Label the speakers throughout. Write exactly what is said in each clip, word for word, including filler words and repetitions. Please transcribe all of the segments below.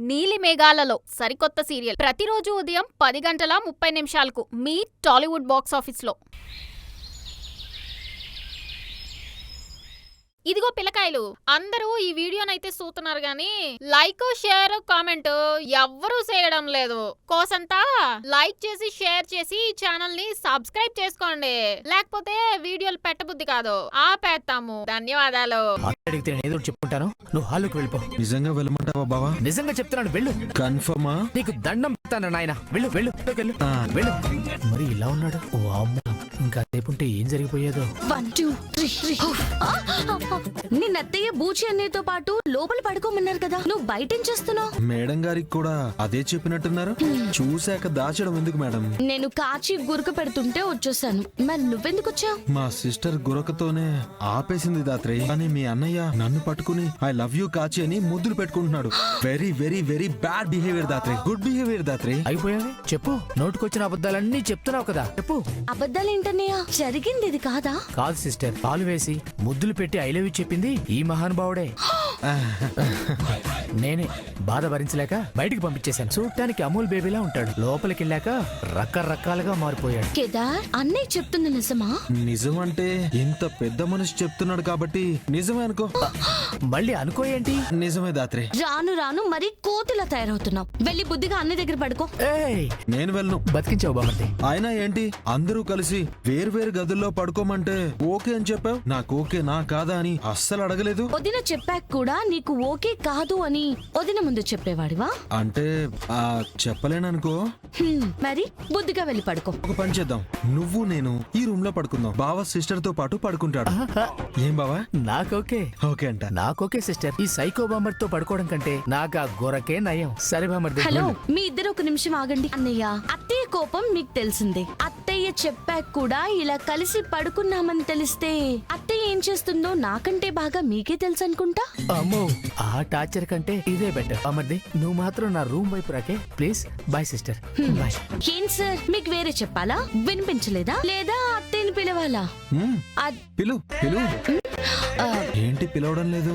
Speaker 1: నీలి మేఘాలలో సరికొత్త సీరియల్ ప్రతిరోజు ఉదయం పది గంటల ముప్పై నిమిషాలకు మీ టాలీవుడ్ బాక్స్ ఆఫీస్లో. ఇదిగో పిల్లకాయలు, అందరూ ఈ వీడియోనైతే చూస్తున్నారు గాని లైక్ షేర్ కామెంట్ ఎవ్వరూ చేయడం లేదు. కోసంతా లైక్ చేసి షేర్ చేసి ఈ ఛానల్ ని సబ్స్క్రైబ్ చేసుకోండి, లేకపోతే వీడియోలు పెట్టబుద్ధి కాదు, ఆపేస్తాము. ధన్యవాదాలు.
Speaker 2: అడిగితే నేను ఏదో చెప్పుకుంటాను, నువ్వు హాల్లోకి వెళ్ళిపో.
Speaker 3: నిజంగా వెళ్ళమంటావా బావా?
Speaker 2: నిజంగా చెప్తున్నాను, వెళ్ళు.
Speaker 3: కన్ఫర్మా?
Speaker 2: నీకు దండం పెడతాను నాయన, వెళ్ళు వెళ్ళు వెళ్ళు వెళ్ళు. మరి ఇలా ఉన్నాడు, ఓ అమ్మ, ఇంకా రేపుంటే ఏం జరిగిపోయేదో.
Speaker 4: వన్ టూ త్రీ నిన్న అత్తయ్య బూచి అన్నయ్యతో పాటు లోపల పడుకోమన్నారు కదా, నువ్వు బయట ఏం చేస్తున్నావు?
Speaker 3: మేడం గారికి కూడా అదే చెప్పినట్టున్నారు. చూశాక దాచడం ఎందుకు మేడం?
Speaker 4: నేను కాచి గురక పెడుతుంటే వచ్చేసాను. మరి నువ్వెందుకు వచ్చావు?
Speaker 3: మా సిస్టర్ గురకతోనే ఆపేసింది దాత్రి. కానీ మీ అన్నయ్య నన్ను పట్టుకుని ఐ లవ్ యూ కాచి అని ముద్దులు పెట్టుకుంటున్నాడు. Very very very bad behaviour Dhatri, good behaviour Dhatri.
Speaker 2: అయిపోయావి చెప్పు, నోటుకొచ్చిన అబద్ధాలన్నీ చెప్తున్నావు కదా, చెప్పు.
Speaker 4: అబద్ధాలేంటన్నయ్య, జరిగింది ఇది కాదా?
Speaker 2: కాదు సిస్టర్, పాలు వేసి ముద్దులు పెట్టి ఐ లవ్ యూ చెప్పింది ఈ మహానుభావుడే. నేనే బాధ భరించలేక బయటికి పంపించేశాను. చూడటానికి అమూల్ బేబీలా ఉంటాడు, లోపలికి వెళ్ళాక రకరకాలుగా మారిపోయాడు.
Speaker 4: కేదార్, అన్నయ్య చెప్తుంది నిజమా?
Speaker 3: నిజం అంటే ఇంత పెద్ద మనిషి చెప్తున్నాడు కాబట్టి నిజమే అనుకో.
Speaker 2: మళ్ళీ అనుకో ఏంటి?
Speaker 3: నిజమే దాత్రి.
Speaker 4: రాను రాను మరి కోతిలా తయారవుతున్నావు. వెళ్ళి బుద్ధిగా అన్నయ్య దగ్గర పడుకో.
Speaker 2: ఏయ్,
Speaker 3: నేను వెళ్ళను.
Speaker 2: బతికించావు బామర్ది.
Speaker 3: అయినా ఏంటి, అందరూ కలిసి వేరు వేరు గదుల్లో పడుకోమంటే ఓకే అని చెప్పావు. నాకు ఓకే నా కాదా అని అస్సలు అడగలేదు.
Speaker 4: వదిన చెప్పాక కూడా నీకు ఓకే కాదు అని వదిన ముందు చెప్పేవాడివా?
Speaker 3: అంటే ఆ చెప్పలేననుకో.
Speaker 4: హ్మ్, మరి బుద్ధిగా వెళ్ళి పడుకో.
Speaker 3: ఒక పని చేద్దాం, నువ్వు నేను ఈ రూమ్ లో పడుకుందాం. బావ సిస్టర్ తో పాటు పడుకుంటాడు. ఏం బావా?
Speaker 2: నాకోకే.
Speaker 3: ఓకే అంట.
Speaker 2: నాకోకే సిస్టర్. ఈ సైకో బామర్ తో పడుకోవడం కంటే నాకు ఆ గొరకే నయం. సరే బామర్ది.
Speaker 4: హలో, మీ ఇద్దరు ఒక నిమిషం ఆగండి. అన్నయ్య, అత్తయ్య కోపం మీకు తెలిసిందే. అత్తయ్య చెప్పాక కూడా ఇలా కలిసి పడుకున్నామని తెలిస్తే అత్తయ్య ఏం చేస్తుందో నాకంటే బాగా మీకే తెలుసు అనుకుంటా.
Speaker 2: అమ్మో, ఆ టార్చర్ కంటే ఇదే బెటర్. బామర్ది, నువ్వు మాత్రం నా రూమ్ వైపు రాకే ప్లీజ్. Bye sister. బాయ్.
Speaker 4: ఏం సార్, మీకు వేరే చెప్పాలా? వినిపించలేదా? లేదా అత్తయ్యని పిలవాలా?
Speaker 3: పిలు పిలు. ఏంటి పిలవడం లేదు?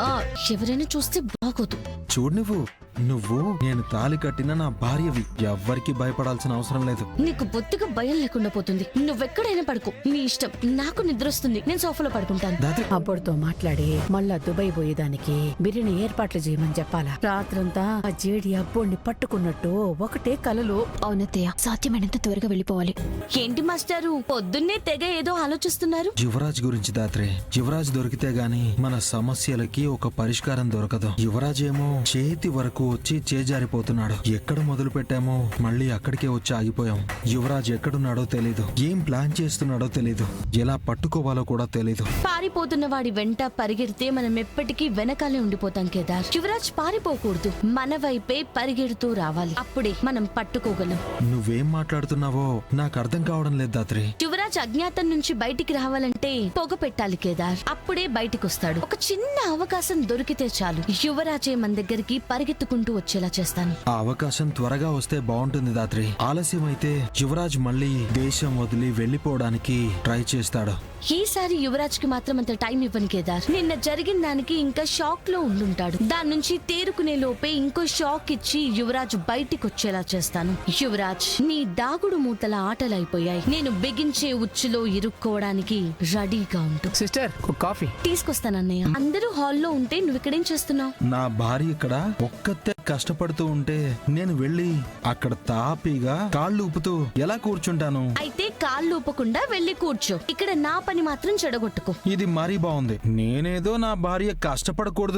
Speaker 4: ఎవరైనా చూస్తే బాగోదు.
Speaker 3: చూడు, నువ్వు నువ్వు నేను తాళి కట్టిన నా భార్యవి. ఎవ్వరికి భయపడాల్సిన అవసరం లేదు.
Speaker 4: నీకు బొత్తిగా భయం లేకుండా పోతుంది. నువ్వెక్కడైనా పడుకో, నీ ఇష్టం. నాకు నిద్ర వస్తుంది, నేను సోఫాలో పడుకుంటాను.
Speaker 5: అబ్బడితో మాట్లాడి మళ్ళా దుబాయ్ పోయేదానికి బిర్యానీ ఏర్పాట్లు చేయమని చెప్పాలా? రాత్రంతా ఆ జేడి అబ్బోడిని పట్టుకున్నట్టు ఒకటే కలలు.
Speaker 6: అవునత్తయ్య, సాధ్యమైనంత త్వరగా వెళ్ళిపోవాలి.
Speaker 4: ఏంటి మాస్టారు, పొద్దున్నే తెగ ఏదో ఆలోచిస్తున్నారు?
Speaker 3: యువరాజ్ గురించి దాత్రే. యువరాజ్ దొరికితే గాని మన సమస్యలకి ఒక పరిష్కారం దొరకదు. యువరాజ్ ఏమో చేతి వరకు వచ్చి చేజారిపోతున్నాడు. ఎక్కడ మొదలు పెట్టామో మళ్ళీ అక్కడికే వచ్చి ఆగిపోయాం. యువరాజ్ ఎక్కడున్నాడో తెలీదు, ఏం ప్లాన్ చేస్తున్నాడో తెలీదు, ఎలా పట్టుకోవాలో కూడా తెలీదు.
Speaker 4: పారిపోతున్న వాడి వెంట పరిగెడితే మనం ఎప్పటికీ వెనకాలే ఉండిపోతాం కేదార్. యువరాజ్ పారిపోకూడదు, మన వైపే పరిగెడుతూ రావాలి. అప్పుడే మనం పట్టుకోగలం.
Speaker 3: నువ్వేం మాట్లాడుతున్నావో నాకు అర్థం కావడం లేదు దాత్రి.
Speaker 4: యువరాజ్ అజ్ఞాతం నుంచి బయటికి రావాలంటే పొగ పెట్టాలి కేదార్, అప్పుడే బయటికి వస్తాడు. ఒక చిన్న అవకాశం దొరికితే చాలు, యువరాజే మన దగ్గరికి పరిగెత్తుకుంటూ వచ్చేలా చేస్తాను.
Speaker 3: ఆ అవకాశం త్వరగా వస్తే బాగుంటుంది దాత్రి. ఆలస్యం అయితే యువరాజ్ మళ్ళీ దేశం వదిలి వెళ్లిపోవడానికి ట్రై చేస్తాడు.
Speaker 4: ఈసారి యువరాజ్ కి మాత్రం అంత టైం ఇవ్వను కేదార్. నిన్న జరిగిన దానికి ఇంకా షాక్ లో ఉండుంటాడు. దాని నుంచి తేరుకునే లోపే ఇంకో షాక్ ఇచ్చి యువరాజ్ బయటికి వచ్చేలా చేస్తాను. యువరాజ్, నీ దాగుడు మూతల ఆటలైపోయాయి. నేను బిగించే ఉచ్చులో ఇరుక్కోవడానికి రెడీగా ఉంటు.
Speaker 2: సిస్టర్, కాఫీ
Speaker 4: తీసుకొస్తానన్నయ్య. అందరూ హాల్లో ఉంటే నువ్వు ఇక్కడేం చేస్తున్నావు?
Speaker 3: నా భార్య ఇక్కడ ఒక్కతే కష్టపడుతూ ఉంటే నేను వెళ్ళి అక్కడ తాపీగా కాళ్ళు ఊపుతూ ఎలా కూర్చుంటాను?
Speaker 4: అయితే కాళ్ళు ఊపకుండా వెళ్ళి కూర్చో. ఇక్కడ నా పని మాత్రం చెడగొట్టుకో.
Speaker 3: ఇది మరీ బాగుంది. నేనేదో నా భార్య కష్టపడకూడదు.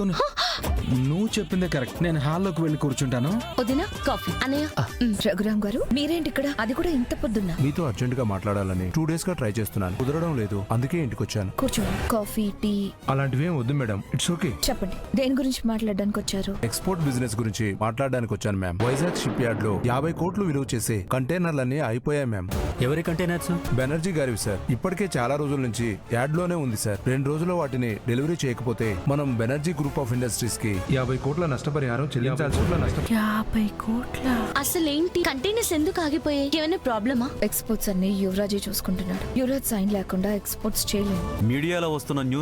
Speaker 3: నువ్వు చెప్పిందే కరెక్ట్. నేను హాల్లోకి వెళ్ళి కూర్చుంటాను.
Speaker 4: వదినా, కాఫీ. అన్నయ్య.
Speaker 6: రఘురామ్ గారు, మీరేంటి ఇక్కడ? అది కూడా ఇంత పొద్దున్న?
Speaker 7: మీతో అర్జెంట్ గా మాట్లాడాలని టూ డేస్ గా ట్రై చేస్తున్నాను, కుదరడం లేదు. అందుకే ఇంటికి వచ్చాను.
Speaker 6: కూర్చోండి. కాఫీ, టీ
Speaker 7: అలాంటివి ఏం వద్దు మేడం, ఇట్స్ ఓకే.
Speaker 6: చెప్పండి, దేని గురించి మాట్లాడడానికి వచ్చారు?
Speaker 7: ఎక్స్పోర్ట్ బిజినెస్ గురించి మాట్లాడడానికి వచ్చాను మ్యామ్. వైజాగ్ షిప్ యార్డ్ లో యాభై కోట్లు విలువ చేసే కంటైనర్లన్నీ అయిపోయాయి మ్యామ్.
Speaker 2: ఎవరి కంటైనర్స్?
Speaker 7: బెనర్జీ గారివి సార్. ఇప్పటికే చాలా రోజుల నుంచి యాడ్ లోనే ఉంది సార్. రెండు రోజుల్లో వాటిని డెలివరీ చేయకపోతే మనం బెనర్జీ గ్రూప్ ఆఫ్ ఇండస్ట్రీస్ కి యాభై కోట్ల నష్టపరిహారం చెల్లించాల్సి ఉంటుంది.
Speaker 5: యాభై కోట్ల?
Speaker 4: అసలేంటి కంటైనర్స్ ఎందుకు ఆగిపోయాయి? ఏమైనా ప్రాబ్లమా?
Speaker 6: ఎక్స్పోర్ట్స్ అన్ని యువరాజే చూసుకుంటున్నాడు. యువరాజ్ సైన్ లేకుండా ఎక్స్పోర్ట్స్ చేయలేము.
Speaker 8: మీడియాలో వస్తున్న న్యూస్ వల్ల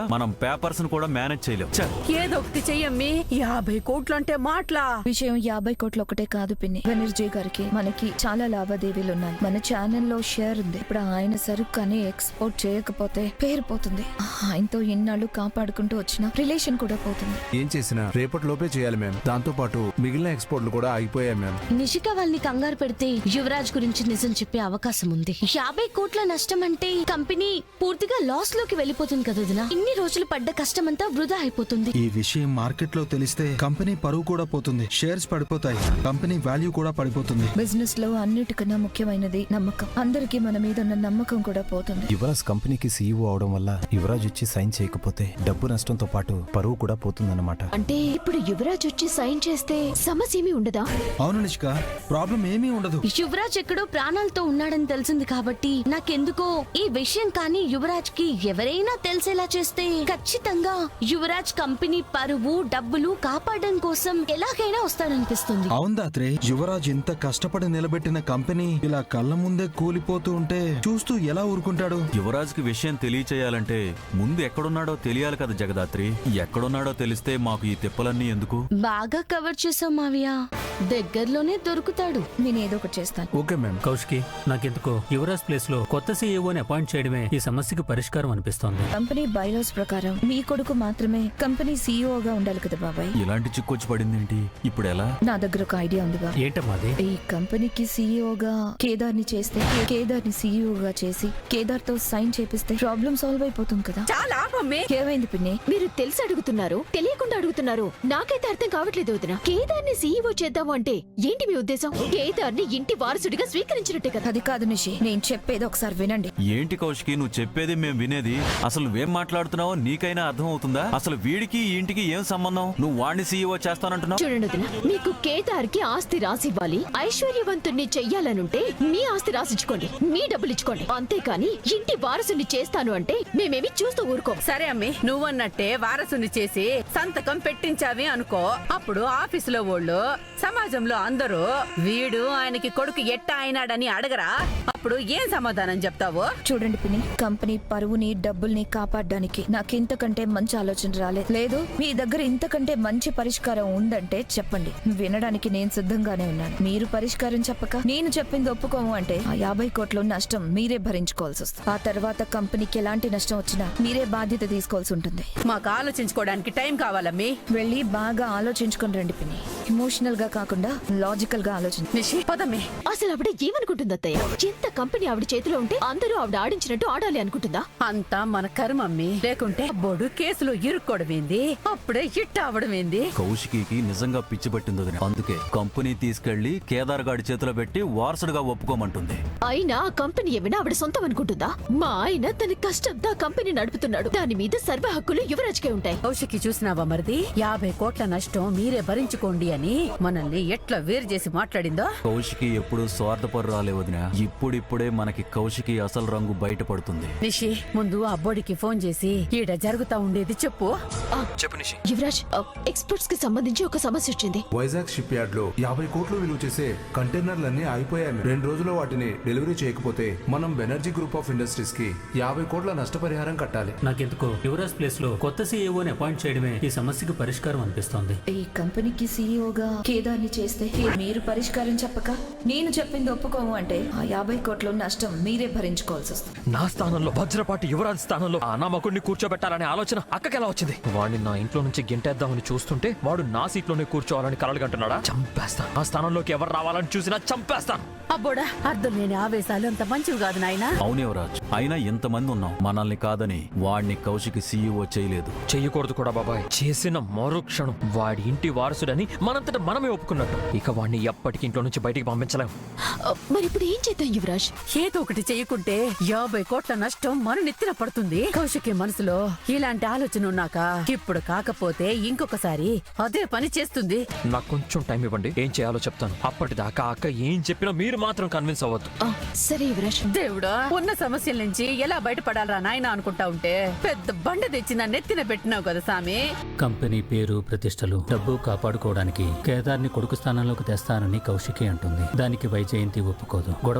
Speaker 8: మనం పేపర్స్ కూడా మేనేజ్ చేయలేం. ఛ!
Speaker 5: ఏదో ఒకటి చెయ్యమ్మి. యాభై కోట్లు అంటే మాటలా?
Speaker 6: విషయం యాభై కోట్లు ఒకటే కాదు పిన్ని. బెనర్జీ గారికి మనకి చాలా లావాదేవీలు ఉన్నాయి. మన ఛానల్లో షేర్ ఉంది. ఇప్పుడు ఆయన సరుకు అని ఎక్స్పోర్ట్ చేయకపోతే పేరు పోతుంది. ఆయనతో ఎన్నాళ్ళు కాపాడుకుంటూ వచ్చిన రిలేషన్ కూడా పోతుంది.
Speaker 7: ఏం చేసినా రేపటి లోపే చేయాలి మ్యామ్. దాంతో పాటు మిగిలిన ఎక్స్పోర్ట్లు కూడా ఆగిపోయాయి మ్యామ్.
Speaker 4: నిషిక వాళ్ళని కంగారు పెడితే యువరాజ్ గురించి నిజం చెప్పే అవకాశం ఉంది. యాభై కోట్ల నష్టం అంటే కంపెనీ పూర్తిగా లాస్ లోకి వెళ్ళిపోతుంది కదా వదినా. ఇన్ని రోజులు పడ్డ కష్టమంతా వృధా అయిపోతుంది.
Speaker 3: ఈ విషయం మార్కెట్ లో తెలిస్తే కంపెనీ పరువు కూడా పోతుంది, షేర్స్ పడిపోతాయి, కంపెనీ వాల్యూ కూడా పడిపోతుంది.
Speaker 6: బిజినెస్ లో అన్నిటికన్నా ముఖ్యమైనది నమ్మకం. అందరికీ మన మీద ఉన్న నమ్మకం కూడా పోతుంది.
Speaker 9: యువరాజ్ కంపెనీకి సీఈఓ అవడం వల్ల యువరాజ్ వచ్చి సైన్ చేయకపోతే డబ్బు నష్టంతో పాటు పరువు కూడా పోతుందన్నమాట.
Speaker 6: అంటే ఇప్పుడు యువరాజ్ వచ్చి సైన్ చేస్తే సమస్య ఏమీ ఉండదా?
Speaker 3: అవును నిష్క, ప్రాబ్లం ఏమీ ఉండదు.
Speaker 4: యువరాజ్ ఎక్కడో ప్రాణాలతో ఉన్నాడని తెలిసింది కాబట్టి నాకెందుకో ఈ విషయం కానీ యువరాజ్ కి ఎవరైనా తెలిసేలా చేస్తే ఖచ్చితంగా యువరాజ్ కంపెనీ పరువు డబ్బులు కాపాడడం కోసం ఎలాగైనా వస్తాడనిపిస్తుంది.
Speaker 3: అవును దాత్రే, యువరాజ్ ఇంత కష్టపడి నిలబెట్టిన కంపెనీ ఇలా కళ్ళ ముందే కూలిపోతూ ఉంటే చూస్తూ ఎలా ఊరుకుంటాడు?
Speaker 8: యువరాజ్ కి విషయం తెలియచేయాలంటే ముందు ఎక్కడున్నాడో తెలియాలి కదా జగదాత్రి. ఎక్కడున్నాడో తెలిస్తే మాకు ఈ తిప్పలన్నీ ఎందుకు?
Speaker 4: బాగా కవర్ చేసావు మావియా, దగ్గరలోనే దొరుకుతాడు.
Speaker 6: నేను ఏదో ఒకటి చేస్తాను.
Speaker 7: Okay ma'am.
Speaker 10: కౌశికి, నాకెందుకో యువరాజ్ ప్లేస్ లో కొత్త సీఈఓని అపాయింట్ చేయడమే ఈ సమస్యకు పరిష్కారం అనిపిస్తోంది.
Speaker 6: కంపెనీ బైలాస్ ప్రకారం మీ కొడుకు మాత్రమే కంపెనీ సీఈఓగా ఉండాలి కదా బాబాయ్.
Speaker 8: ఇలాంటి చిక్కొచ్చి పడిందేంటి? ఇప్పుడు ఎలా?
Speaker 6: నా దగ్గర ఒక ఐడియా ఉంది బా.
Speaker 10: ఏంటమ్మాది?
Speaker 6: ఈ కంపెనీకి సీఈఓగా కేదార్ ని చేస్తే కేదార్ ని సీఈఓగా చేసి కేదార్ తో సైన్ చేపిస్తే ప్రాబ్లం సాల్వ్ అయిపోతుంది కదా.
Speaker 5: చాలా ఆపమ్మి.
Speaker 6: ఏమైంది పిన్ని?
Speaker 11: మీరు తెలిసి అడుగుతున్నారు, తెలియకుండా అడుగుతున్నారు. నాకైతే అర్థం కావట్లేదు వదిన. కేదార్ ని సీఈఓ చేద్దాము అంటే ఏంటి మీ ఉద్దేశం? కేదార్ ని ఇంటి వారసుడిగా స్వీకరించినట్టే కదా.
Speaker 6: అది కాదు నిషి, నేను చెప్పేది ఒకసారి వినండి.
Speaker 8: ఏంటి కౌశికి నువ్వు చెప్పేది మేము వినేది? అసలు నువ్వేం మాట్లాడుతున్నావో నీకైనా అర్థం అవుతుందా? అసలు వీడికి ఈ ఇంటికి ఏం సంబంధం? నువ్వు వాడిని సీఈఓ చేస్తానంటున్నావు.
Speaker 11: చూడండి వదిన, మీకు కేదార్ కి ఆస్తి రాసివ్వాలి, ఐశ్వర్యవంతుణ్ణి చెయ్యాలనుంటే మీ ఆస్తి రాసిచ్చుకోండి, మీ డబ్బులు ఇచ్చుకోండి. అంతేకాని ఇంటి వారసుని చేస్తాను అంటే మేమేమి చూస్తూ ఊరుకోం.
Speaker 5: సరే అమ్మి, నువ్వన్నట్టే వారసుని చేసి సంతకం పెట్టించావి అనుకో. అప్పుడు ఆఫీసులో వాళ్ళు, సమాజంలో అందరూ వీడు ఆయనకి కొడుకు ఎట్టా అయినాడని అడగరా? అప్పుడు ఏం సమాధానం చెప్తావు?
Speaker 6: చూడండి పిన్ని, కంపెనీ పరువుని డబ్బుల్ని కాపాడడానికి నాకింతకంటే మంచి ఆలోచన రాలేదు. లేదు మీ దగ్గర ఇంతకంటే మంచి పరిష్కారం ఉందంటే చెప్పండి, వినడానికి నేను సిద్ధంగానే ఉన్నాను. మీరు పరిష్కారం చెప్పక నేను చెప్పింది ఒప్పుకోము అంటే ఆ యాభై కోట్ల నష్టం మీరే భరించుకోవాల్సి వస్తుంది. ఆ తర్వాత కంపెనీకి ఎలాంటి నష్టం వచ్చినా మీరే బాధ్యత తీసుకోవాల్సి ఉంటుంది.
Speaker 5: మాకు ఆలోచించుకోవడానికి టైం కావాలమ్మి.
Speaker 6: వెళ్ళి బాగా ఆలోచించుకొని రండి పిన్ని. ఎమోషనల్ గా కాకుండా లాజికల్ గా ఆలోచించండి.
Speaker 5: నిషి పదమ్మి.
Speaker 11: అసలు ఆవిడ ఏమనుకుంటుంది అత్తయ్య? ఎంత కంపెనీ ఆవిడ చేతిలో ఉంటే అందరూ ఆవిడ ఆడించినట్టు ఆడాలి అనుకుంటుందా?
Speaker 5: అంతా మన కర్మమ్మి. లేకుంటే బొడు కేసులో ఇరుక్కోవడమేంది, అప్పుడే హిట్ అవడమేంది?
Speaker 8: కౌశికి నిజంగా పిచ్చి పట్టింది వదిన. అందుకే కంపెనీ తీసుకెళ్లి కేదార్ గాడి చేతిలో పెట్టి వారసుడుగా ఒప్పుకోమంటుంది.
Speaker 11: అయినా ఆ కంపెనీ ఏమైనా ఆవిడ సొంతం అనుకుంటుందా? మా ఆయన తన కష్టంతో ఆ కంపెనీ నడుపుతున్నాడు. దాని మీద సర్వ హక్కులు యువరాజ్కే ఉంటాయి.
Speaker 5: కౌశికి చూసినావా మరిది? యాభై కోట్ల నష్టం మీరే భరించుకోండి అని మనల్ని ఎట్లా వేరు చేసి మాట్లాడిందో.
Speaker 8: కౌశికి ఎప్పుడు స్వార్థపరురాలే వదిన. ఇప్పుడిప్పుడే మనకి కౌశికి అసలు రంగు బయటపడుతుంది.
Speaker 5: నిషి, ముందు ఆ అబ్బోడికి ఫోన్ చేసి ఈడ జరుగుతా ఉండేది చెప్పు.
Speaker 8: చెప్పు నిషి.
Speaker 11: యువరాజ్, ఎక్స్పోర్ట్స్ కి సంబంధించి ఒక సమస్య వచ్చింది.
Speaker 7: వైజాగ్ షిప్ యార్డ్ లో యాభై కోట్లు విలువ చేసే కంటైనర్లన్నీ ఆగిపోయాయి. రెండు రోజుల్లో వాటిని డెలివరీ చేయకపోతే మనం బెనర్జీ గ్రూప్ ఆఫ్ ఇండస్ట్రీస్ కి యాభై కోట్ల నష్టపరిహారం కట్టాలి.
Speaker 10: నాకెందుకో యువరాజ్ ప్లేస్ లో కొత్త సీఈఓని అపాయింట్ చేయడమే ఈ సమస్యకు పరిష్కారం అనిపిస్తోంది.
Speaker 6: ఈ కంపెనీకి సీఈఓగా కేదార్ ని చేస్తే మీరు పరిష్కారం చెప్పక నేను చెప్పింది ఒప్పుకోము అంటే ఆ యాభై కోట్ల నష్టం మీరే భరించుకోవాల్సి వస్తుంది.
Speaker 2: నా స్థానంలో వజ్రపాటి యువరాజ్ స్థానంలో ఆ అనామకుడిని కూర్చోబెట్టాలనే ఆలోచన అక్కకెలా వచ్చింది? వాడిని నా ఇంట్లో నుంచి గెంటేద్దామని చూస్తుంటే వాడు నా సీట్లోనే కూర్చోవాలని కలలుగంటున్నాడా? చంపేస్తాను. ఆ స్థానంలోకి ఎవరు రావాలని చూసినా చంపేస్తాను.
Speaker 5: అబ్బోడా, అర్థం లేని ఆవేశాలు అంత మంచివి కాదు నాయనా.
Speaker 8: అవును యువరాజ్, అయినా ఎంతమంది ఉన్నాం, మనల్ని కాదని వాడిని కౌశికి సీఈఓ చేయలేదు.
Speaker 2: చెయ్యకూడదు కూడా బాబాయ్. చేసిన మరుక్షణం వాడి ఇంటి వారసుడని మనంతట మనమే ఒప్పుకున్నట్టు. ఇక వాడిని ఎప్పటికీ ఇంట్లో నుంచి బయటికి పంపించలేం.
Speaker 11: మరి ఇప్పుడు ఏం చేద్దాం యువరాజ్?
Speaker 5: ఏదో ఒకటి చేయకుంటే యాభై కోట్ల నష్టం మన నెత్తిన పడుతుంది. కౌశికి మనసులో ఇలాంటి ఆలోచన ఉన్నాక ఇప్పుడు కాకపోతే ఇంకొకసారి అదే పని చేస్తుంది.
Speaker 2: నాకు కొంచెం టైం ఇవ్వండి, ఏం చేయాలో చెప్తాను. అప్పటిదాకా అక్క ఏం చెప్పినా మీరు మాత్రం కన్విన్స్ అవ్వద్దు.
Speaker 11: సరే యువరాజ్.
Speaker 5: దేవుడా, ఉన్న సమస్యల నుంచి ఎలా బయటపడాలరా నాయన అనుకుంటా ఉంటే పెద్ద బండ తెచ్చి నా నెత్తిన పెట్టినావు కదా సామి.
Speaker 10: కంపెనీ పేరు ప్రతిష్టలు డబ్బు కాపాడుకోవడానికి కేదార్ని కొడుకు స్థానంలోకి తెస్తానని కౌశికి అంటుంది. దానికి వైజయంతి ఒప్పుకోదు, గొడవ చేస్తుంది.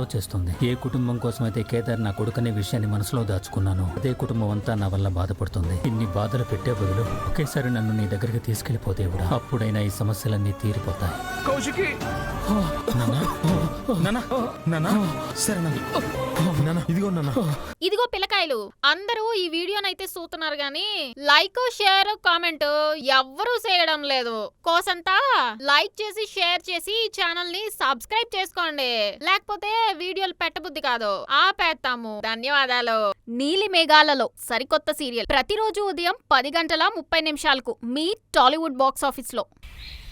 Speaker 10: బాధపడుతోంది. ఏ కుటుంబం కోసమైతే కేదార్ నా కొడుకనే విషయాన్ని మనసులో దాచుకున్నాను, అదే కుటుంబం అంతా నా వల్ల బాధపడుతుంది. ఇన్ని బాధలు పెట్టే బదులు ఒకేసారి నన్ను నీ దగ్గరికి తీసుకెళ్లిపోతే కూడా అప్పుడైనా ఈ సమస్యలన్నీ తీరిపోతాయి.
Speaker 7: కౌశికి
Speaker 3: సరే నాన్న, ఇదిగో నాన్న.
Speaker 1: ఇదిగో పిల్లకాయలు, అందరూ ఈ వీడియోనైతే చూస్తున్నారు గాని లైక్ షేర్ కామెంట్ ఎవ్వరూ చేయడం లేదు. కోసంతా లైక్ చేసి షేర్ చేసి ఈ ఛానల్ ని సబ్స్క్రైబ్ చేసుకోండి, లేకపోతే వీడియోలు పెట్టబుద్ధి కాదు, ఆపేస్తాము. ధన్యవాదాలు. నీలి మేఘాలలో సరికొత్త సీరియల్ ప్రతిరోజు ఉదయం పది గంటల ముప్పై నిమిషాలకు మీ టాలీవుడ్ బాక్స్ ఆఫీస్ లో.